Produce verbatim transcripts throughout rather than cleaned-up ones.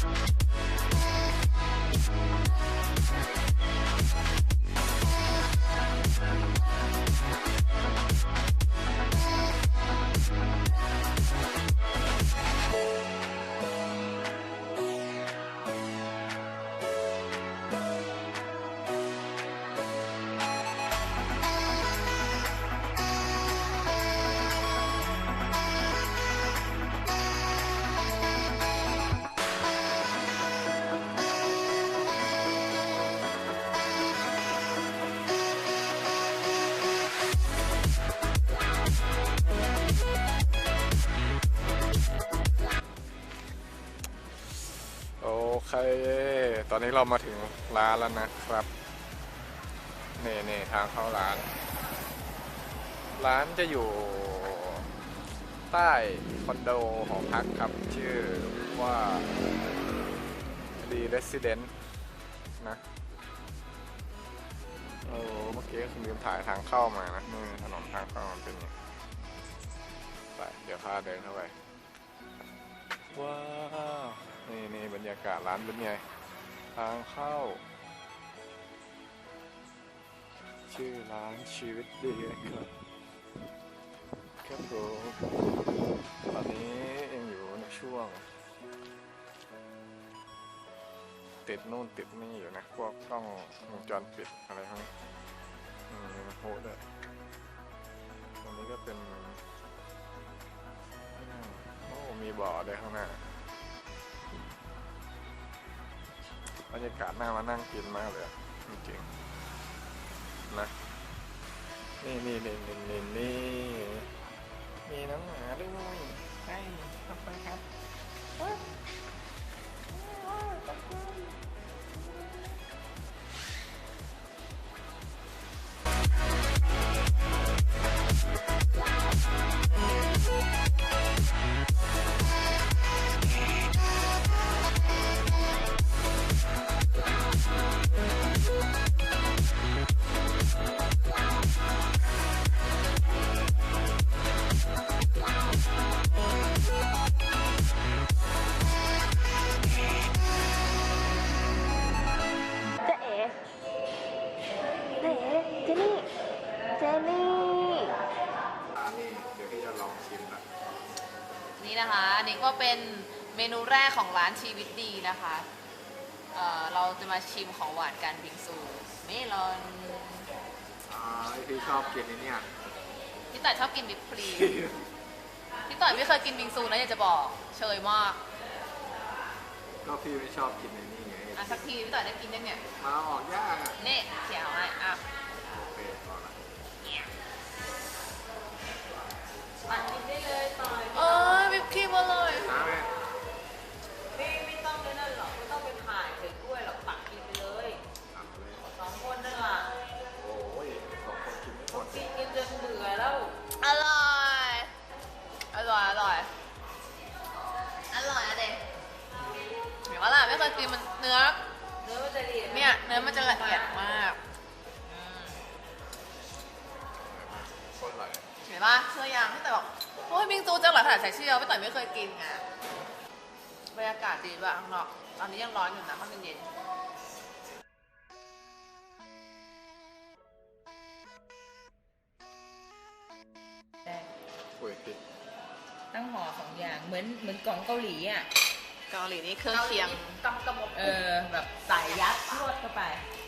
โอเคตอนนี้เรามาถึงร้านแล้วนะครับนี่นี่ทางเข้าร้านร้านจะอยู่ใต้คอนโดหอพักครับชื่อว่า The Resident นะโอ้เมื่อกี้คุณลืมถ่ายทางเข้ามานะนี่ถนนทางเข้ามันเป็นอย่างนี้ไปเดี๋ยวพาเดินเข้าไปว้าวนี่นี่บรรยากาศร้านเป็นไงทางเข้าชื่อร้านชีวิตดีนะครับครับผมตอนนี้ยังอยู่ในช่วงติดนู่นติดนี่อยู่นะพวกกล้องวงจรปิดอะไรพวกนี้อืมมันโหดเลยตรงนี้ก็เป็นโอ้มีบ่อด้วยข้างหน้าบรรยากาศน่ามานั่งกินมากเลยจริงๆนะนี่นี่นี่นี่นี่นี่มีน้องหมาด้วยใช่ขอบคุณครับนี่นะคะอันนี้ก็เป็นเมนูแรกของร้านชีวิตดีนะคะเอ่อเราจะมาชิมของหวานกันบิงซูเมลอนอ่าพี่ชอบกินนี่เนี่ยพี่ต่อยชอบกินวิปครีมพี่ต่อยไม่เคยกินบิงซูนะอยากจะบอกเชยมากก็พี่ไม่ชอบกินนี่ไงอ่ะสักทีพี่ต่อยได้กินยังเนี่ยมาออกยากอ่ะนี่เขียวให้อ่ะโอเคพอละตักกินได้เลยต่อยเออวิปครีมอร่อยน้ำไหมไม่ไม่ต้องเลยนั่นหรอกไม่ต้องไปถ่ายใส่ถ้วยหรอกตักกินไปเลยทำเลยสองคนนั่นแหละโอ้ยสองคนกินไม่หมดกินกินจนเบื่อแล้วอร่อยอร่อยอร่อยอร่อยอะเด็กเห็นว่าล่ะไม่เคยกินมันเนื้อเนื้อมันจะละเอียดเนี่ยเนื้อมันจะละเอียดมากอืมคนไหลเห็นป่ะเชื่อยังพี่ต่อยบอกโอ้ยบิงซูจังหลักฐานใส่เชี่ยวพี่ต่อยไม่เคยกินไงบรรยากาศดีป่ะข้างนอกตอนนี้ยังร้อนอยู่นะมันเย็นได้คุยผิดตั้งห่อสองอย่างเหมือนเหมือนกล่องเกาหลีอ่ะเกาหลีนี่เครื่องเคียงกำกำมเออแบบใส่ยัดรวดเข้าไป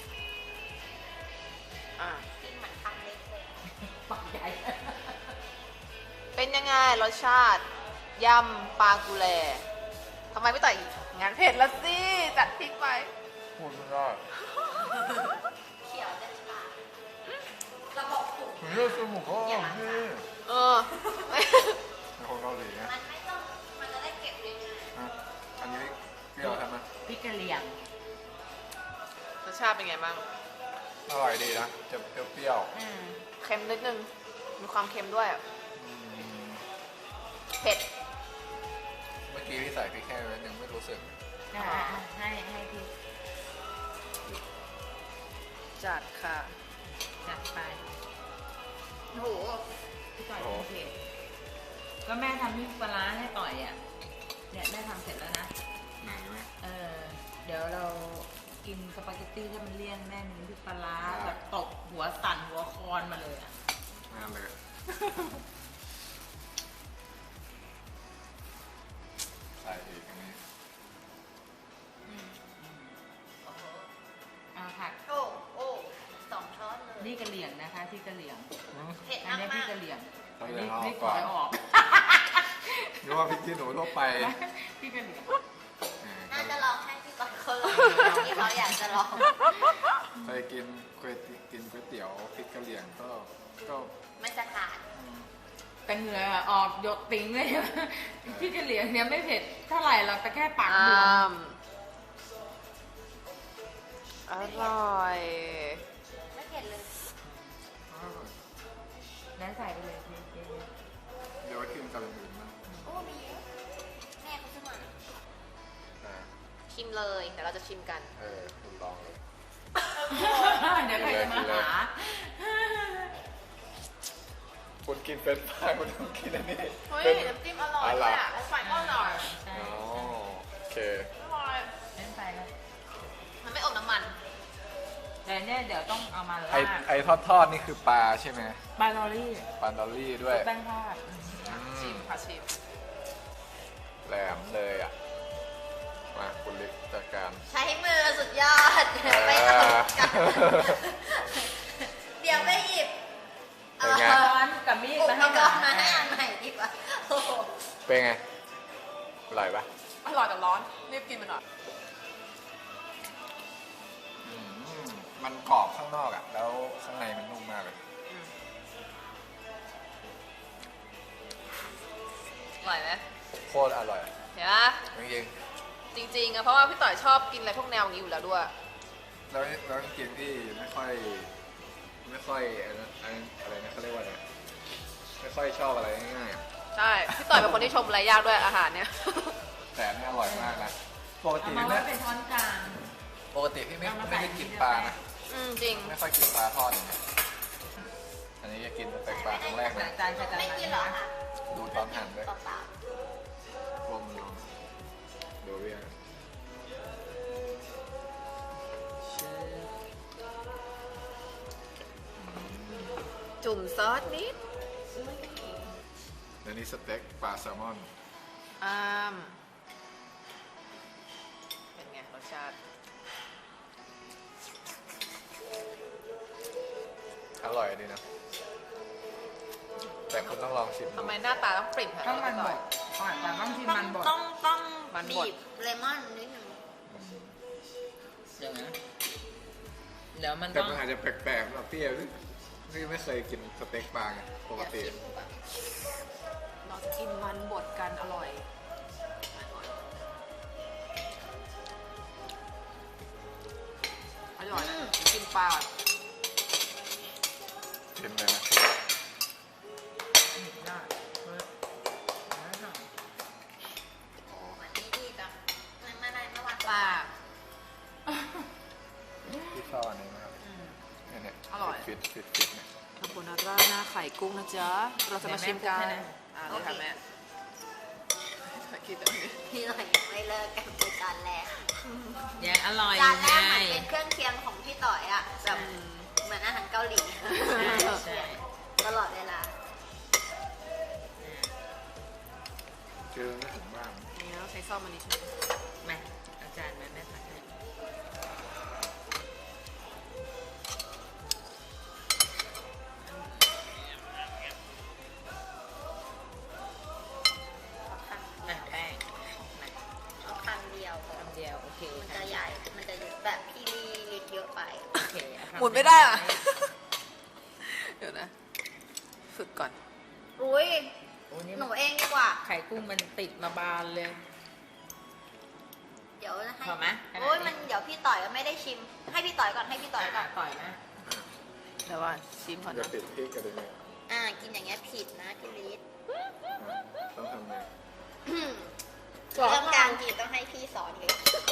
อ่ะกินเหมือนคำเล็กเลยปักใหญ่เป็นยังไงรสชาติยำปลากุแลทำไมไม่ต่อยอีกงานเผ็ดละสิจัดพริกไปพูดไม่ได้เขียวจะฉลาดระบบถูกเรื่องสมุกเขาอ่ะพี่เออเป็นคนเกาหลีไงมันไม่ต้องมันจะได้เก็บยังไงอ่ะอันนี้เปรี้ยวใช่ไหมพริกกะเหรี่ยงรสชาติเป็นไงบ้างอร่อยดีนะจะเปรี้ยวอืมเค็มนิดนึงมีความเค็มด้วยๆอืมเผ็ดเมื่อกี้พี่ใส่พริกแค่นิดนึงไม่รู้สึกอ่าให้ให้พริกจัดค่ะจัดไปโอ้โหพี่ต่อยโอเคก็แม่ทำพริกปลาร้าให้ต่อยอ่ะเนี่ยแม่ทำเสร็จแล้วนะไหนไหมเออเดี๋ยวเรากินสปาเกตตี้ที่มันเลี่ยนแม่มีน้ำพริกปลาร้าแบบตกหัวสั่นหัวคอนมาเลยอ่ะนั่นเลยใส่อีกอันนี้เอาผักโอ้โอ้สองช้อนเลยนี่กะเหรี่ยงนะคะที่กะเหรี่ยงเผ็ดอันมากนี้มาที่กกะเหรี่ยงต้องอันเรียนี้นเอาไม่ก่ขอนอยออกนึกว่าพริกขี้หนูทั่วไปที่กะเหรี่ยงน่าจะลองให้พี่ก่อนคนลองที่เขาอยากจะลองเคยกินเคยกินก๋วยเตี๋ยวพริกกะเหรี่ยงก็ก็ไม่จะขาดแต่เหงื่อออกหยดติ้งเลยที่กะเหรี่ยงเนี่ยไม่เผ็ดเท่าไหร่หรอกแต่แค่ปากบวมอร่อยไม่เผ็ดเลยแล้วใส่ไปเลยเจ๊เดี๋ยวไว้กินกับอย่างอื่นบ้างโอ้มีแม่เขาซื้อมาอ่าชิมเลยเดี๋ยวเราจะชิมกันเออคุณลองเลยเดี๋ยวใครจะมาหาคุณกินเป็นปลาคุณต้องกินอันนี้เฮ้ยเป็นน้ำจิ้มอร่อยเลยอ่ะแล้วไฟก็อร่อยใช่อ๋อโอเคอร่อยเล่นไปแล้วมันไม่อมน้ำมันแต่เนี่ยเดี๋ยวต้องเอามาไอลาดไอทอดทอดๆนี่คือปลาใช่ไหมปลาดอลลี่ปลาดอลลี่ด้วยแป้งทอดอืชิมมค่ะชิมแหลมเลยอ่ะ มาคุณลิกจัดการใช้มือสุดยอดไปเอากันเดี๋ยวไปหยิบเป็นไงช้อนกับมีดอุปมาให้กหรณ์มาให้อันใหม่ดีกว่าโอ้โหเป็นไง อร่อยปะอร่อยแต่ร้อนรีบกินไปหน่อยอืมมันกรอบข้างนอกอ่ะ แล้วข้างในมันนุ่มมากเลยอร่อยไหมโคตรอร่อยเห็นปะจริงจริงๆอะเพราะว่าพี่ต่อยชอบกินอะไรพวกแนวนี้อยู่แล้วด้วยๆแล้วแล้วจริงๆที่ไม่ค่อย ไม่ค่อยอันนั้นอันอะไรนะเขาเรียกว่าอะไรไม่ค่อยชอบอะไรง่ายๆอะใช่พี่ต่อยเป็นคนที่ชมอะไรยากด้วยอาหารเนี่ยแต่อันนี่อร่อยมากนะ ปกเอาติมาไม่ไว้เป็นช้อนกลางปกติพี่ไม่เอามาไม่ได้ใส่กินที่ปลาเดียวนะอืมจริงไม่ค่อยกินปลาทอดอย่างเงี้ยอันนี้จะกินสเต็กปลาครั้งแรกแต่นะจานใครจานไม่มันกินหรอนะคะดูตอนหั่นด้วยเปล่ารวมลองดูเรียงๆจุ่มซอสนิดแล้วนี่สเต็กปลาแซลมอนอ้ามเป็นไงรสชาติอร่อยดีนะ แต่คุณต้องลองชิมดูทำไมหน้าตาต้องปริ่มขนาดต้องมันพี่บต่อดยก่อนแต่ต้องชิมมันบดต้องต้องมันบดบีบเลมอนนิดนึงเดี๋ยวนะเดี๋ยวมันแต่ต้องมันอาจจะแปลกๆสำหรับพี่อะพี่ไม่เคยกินสเต็กปลาไงปกติเราจะกินมันบดกันอร่อย อร่อยนะกินปลาชิมเลยนะได้เฮ้ยได้หน่อยโอ้อันนี้ดีจังไม่ไม่ไม่ไม่ว่าปลาพี่ชอบอันนี้มากเนี่ยเนี่ยอร่อยฟิตฟิตฟิตเนี่ยขอบคุณนะราดหน้าไข่กุ้งนะจ๊ะ เราจะมาชิมกันอ่าเลยค่ะแม่คิดตรงนี้พี่หน่อยยังไม่เลิกกันในจานแรกยังอร่อยจานแรไงกเหมือนเป็นเครื่องเคียงของพี่ต่อยอะแบบเหมือนอาหารเกาหลีใช่ใช่ตลอดเวลาเจอไม่ถึงบ้านนี่เราใช้ซ่อมอันนี้ใช่ไหมมาอาจารย์มาแม่ผัดให้อ่ะแป้งมาเอาคำเดียวพอคำเดียวโอเคมันค่ะจะใหญ่ มันจะแบบพี่ลีลิตเยอะไปโอเคเอาคำหมุนไม่ได้อ่ะ เดี๋ยวนะ ฝึกก่อนอุ้ยโอ้นี่หนูเองดีกว่าไข่กุ้งมันติดมาบานเลยเดี๋ยวให้พอไหมโอ้ยมันเดี๋ยวพี่ต่อยก็ไม่ได้ชิม ให้พี่ต่อยก่อนให้พี่ต่อยก่อนต่อยนะเดี๋ยวว่าชิมก่อนจะนะติดพริกกันเลยเนี่ยอ่า กินอย่างเงี้ยผิดนะพี่ลิตอ่ะต้องทำไงเรื่องการกินต้องให้พี่สอนเลย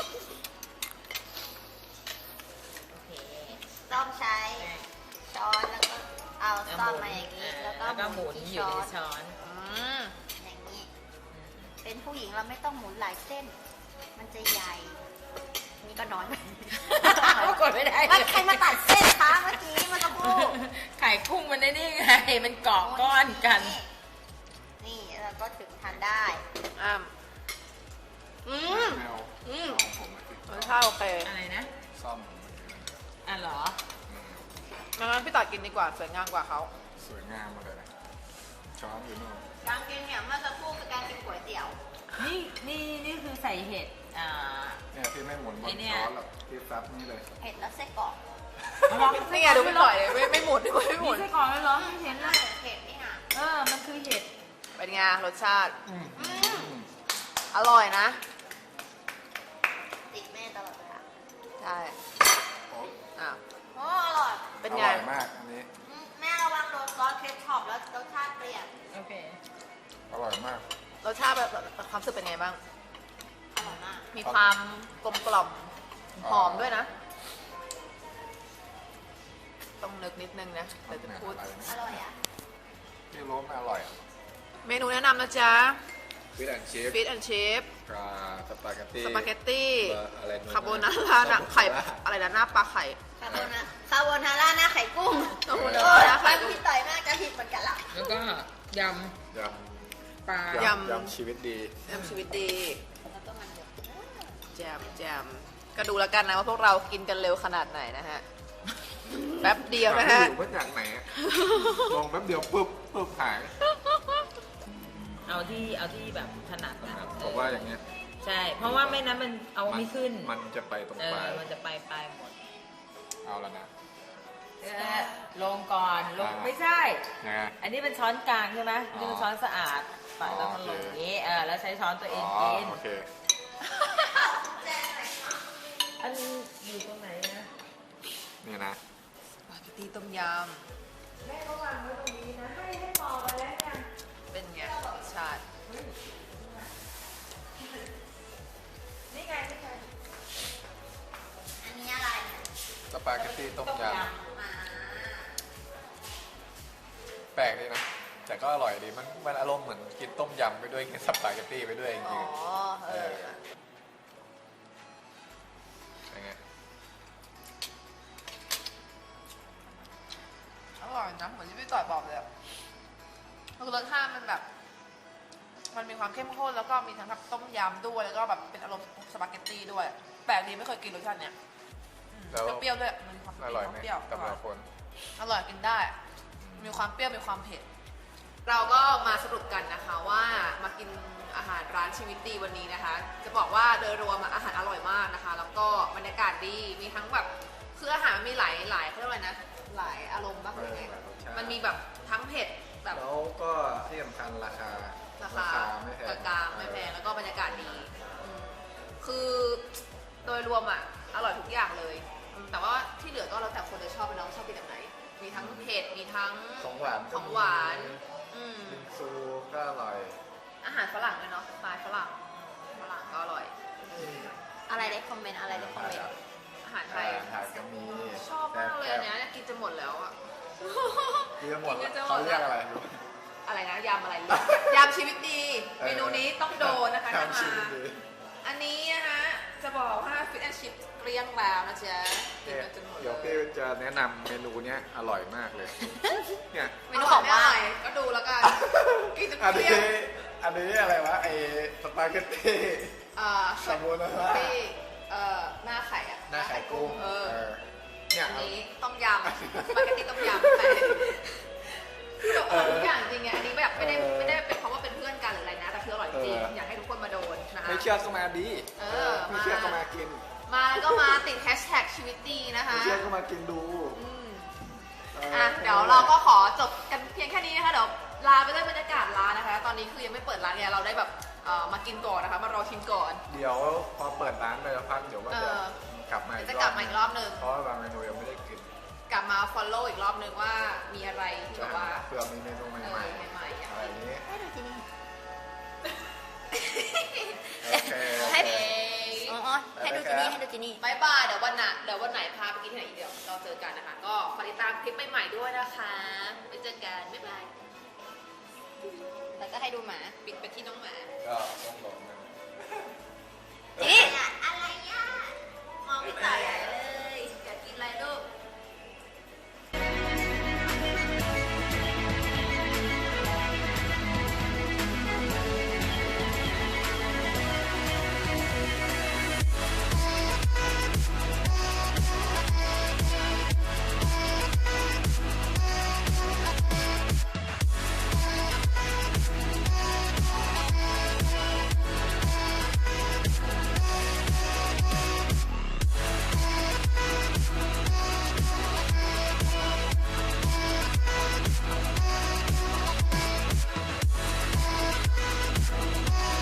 โอเคต้องใช้ช้อนแล้วก็เอาซ่อมมาอย่างนี้ แล้วก็แล้วก็หหมุมุนนที่อยู่ช้อในนช้อนอืมอย่างนี้ เป็นผู้หญิงเราไม่ต้องหมุนหลายเส้นมันจะใหญ่ นี่ก็น้อยไปก็กดไม่ได้มันใครมาตัดเส้นคะเมื่อกี้เมันจะพูดไข่กุ้งมันได้นี่ไง มันเกาะก้อนกันนี่แล้วก็ถึงทานได้อ้ามอืมแมวอืมเอาผมมาติดรสชาติโอเคอะไรนะซ่อมอ่ะเหรออืมงั้นพี่ต่อกินดีกว่าสวยงามกว่าเขาสวยงามมาเลยนะช้อนอยู่นู่นการกินเนี่ยเมื่อสักครู่คือการกินก๋วยเตี๋ยวนี่นี่นี่คือใส่เห็ด อ่าเนี่ยพี่ไม่หมุนบไอ้นเนี่ยช้อนหรอกพี่ซับนี่เลยเผ็ดแล้วไส้กรอกนี่ไงดูพี่ต่อยเลยไม่ไม่หมุนไม่มีหมุนไส้กรอกแล้วเหรอไม่เห็นเลยเผ็ดนี่ค่ะเออ มันคือเห็ดเป็นไงรสชาติอืมอร่อยนะติดแม่ตลอดเวลาใช่โอ้อ่ะโอ้อร่อยเป็นอไงร่อยมากอันนี้อืมแม่ระวังโดนซอสเคชัพแล้วรสชาติเปลี่ยนโอเคอร่อยมากรสชาติแบบความรู้สึกเป็นไงบ้างอร่อยมากมีความกลมกล่อมหอมด้วยนะ ต้องนึกนิดนึงนะเดี๋ยวจะพูดอะไรนะอร่อยอ่ะที่โรสไม่อร่อยเมนูแนะนำนะจ๊ะฟิตแอนชิพฟิตแอนชิพกับสปาเกตตี้สปาเกตตี้อะไรนู่นคาโบนาร่าหนักไข่อะไรนะหน้าปลาไข่คาโบนาคาโบนาร่าหน้าไข่กุ้งคาโบนาโอ้ร่าย หน้าไข่บางกุ้งพี่ต่อยน่าจะผิดเหมือนกันละแล้วก็ยยำปลาำยำยำชีวิตดีแอมชีวิตดีแล้วก็มันเดือดแจมแจมก็ดูแล้วกันนะว่าพวกเรากินกันเร็วขนาดไหนนะฮะ แป๊บเดียวนะฮะอยู่มาจากไหนอะลงแป๊บเดียวปุ๊บปุ๊บหายเอาที่เอาที่แบบถนัดนะผมว่าอย่างเงี้ยใช่ เพราะว่าไม่นั้นมันเอาไม่ขึ้นมันจะไปตรงเอปลาอย มันจะไปปลายหมดเอาแล้วนะเออลงก่อน ลงอ่าไม่ใช่ยังไงอันนี้เป็นช้อนกลางใช่ไหมอ๋อนี่เป็นช้อนสะอาดปะแล้วมันลงโอเคอย่างนี้ เออ แล้วใช้ช้อนตัวเออ๋งอกินโอเคอันอยู่ตรงไหนนะนี่นะสปาเกตตี้ต้มยแม่ก็วางไว้ตรงนี้นะ ให้ให้มองไปแล้วยังำเป็นไงรสชาตินี่ไงนี่ไงอันนี้อะไรเนี่ยสปาเกตตี้ต้มยมาำแปลกดีนะ แต่ก็อร่อยดี มันมันอารมณ์เหมือนกินต้มยำไปด้วยกินสปาเกตตี้ไปด้วยจอ๋ริองๆเออยังไงอร่อยนะเหมือนที่พี่ต่อยบอกเลยอะคือรสชาติมันแบบ มันมีความเข้มข้นแล้วก็มีทั้งแบบต้มยำด้วยแล้วก็แบบเป็นอารมณ์สปาเกตตี้ด้วย แปลกดีไม่เคยกินรสชาติเนี้ยอืมแล้วเปรี้ยวๆด้วยมันมีความอร่อยไหมเปรี้ยวกับเราคนอร่อยกินได้ มีความเปรี้ยวมีความเผ็ด เราก็มาสรุปกันนะคะว่ามากินอาหารร้านชีวิตดีวันนี้นะคะ จะบอกว่าโดยรวมอะอาหารอร่อยมากนะคะ แล้วก็บรรยากาศดีมีทั้งแบบคืออาหารมีหลายหลายเขาเรียกว่าอะไรนะหลายอารมณ์บ้างหรือไงหลายรสชาติมันมีแบบทั้งเผ็ดแบบแล้วก็ที่สำคัญราคาราคาไม่แพงกลางๆไม่แพงแล้วก็บรรยากาศดีอืมคือโดยรวมอ่ะอร่อยทุกอย่างเลยอืมแต่ว่าที่เหลือก็แล้วแต่คนจะชอบไปน้องชอบกินแบบไหน มีทั้งเผ็ดมีทั้งของหวานของหวานอืมบิงซูก็อร่อยอาหารฝรั่งด้วยเนาะสไตล์ฝรั่งฝรั่งก็อร่อยเอออะไรได้คอมเมนต์อะไรได้คอมเมนต์อาหารไทยอาหารก็มีชอบมากเลยอันเนี้ยอยากกินจะหมดแล้วอ่ะเรียกหมดกินแล้วจะหมเขาดเรียกอะไรอะไรนะยำอะไรยำชีวิตดี เมนูนี้ต้องโดนนะคะถ้าทำชีมาวิตดีอันนี้นะคะจะบอกว่าฟิตแอนชิพเกลี้ยงแล้วนะจ๊ะกินกันจนหมดเลเดี๋ยวพี่ยจะแนะนำเมนูเนี้ยอร่อยมากเลย เนี่ยเมนูของว่าก็ดูแล้วกันกินจนอันเกลี้นี้ยงอันนี้อะไรวะไอสปาเกตตี้เอ่อคาโบนาร่าที่เอ่อหน้าไข่อะหน้าไข่กุ้งเออเออเนี่ยอันนี้ต้มยำสปาเกตตี้ต้มยำไปคือแบบอร่อยทุกอย่างจริงไงอันนี้แบบไม่ได้ไม่ได้เป็นเพราะว่าเป็นเพื่อนกันหรืออะไรนะ แต่คืออร่อยจริงอยากให้ทุกคนมาโดนนะคะไม่เชื่อก็มาดีเออไม่เชื่อก็มากินมาแล้วก็มาติดแฮชแท็กชีวิตดีนะคะไม่เชื่อก็มากินดูอืมเอ่ะเดี๋ยวเราก็ขอจบกันเพียงแค่นี้นะคะเดี๋ยวลาไปด้วยบรรยากาศร้านนะคะ ตอนนี้คือยังไม่เปิดร้านเนี่ยเราได้แบบเอ่อมากินก่อนนะคะ มารอชิมก่อนเดี๋ยวพอเปิดร้านไปสักพักเดี๋ยวก็เอจะอกลับมาอีกจะรกอลับบมาอีกรอบหนึ่งเพราะว่าบางเมนูยังไม่ได้กินกลับมา follow อีกรอบหนึ่งว่ามีอะไรที่แบบว่าเพื่อมีเมนูใหเอม่อใหม่ๆอ่ะๆอะไรอย่างนี้ให้ดูที่นี่โอเคโอให้เคอ๋อให้ดูที่นี่ให้ดูที่นี่บายบายเดี๋ยววันหน้าเดี๋ยววันไหนพาไปกินที่ไหนอีกเดี๋ยวเราเจอกันนะคะ ก็ฝากติดตามคลิปใหม่ๆด้วยนะคะไปเจอกันบ๊ายบายแล้วก็ให้ดูหมาปิดไปที่น้องหมาก็ต้องบอกนะนี่พี่ต่ายใหญ่เลยอยากกินอะไรลูก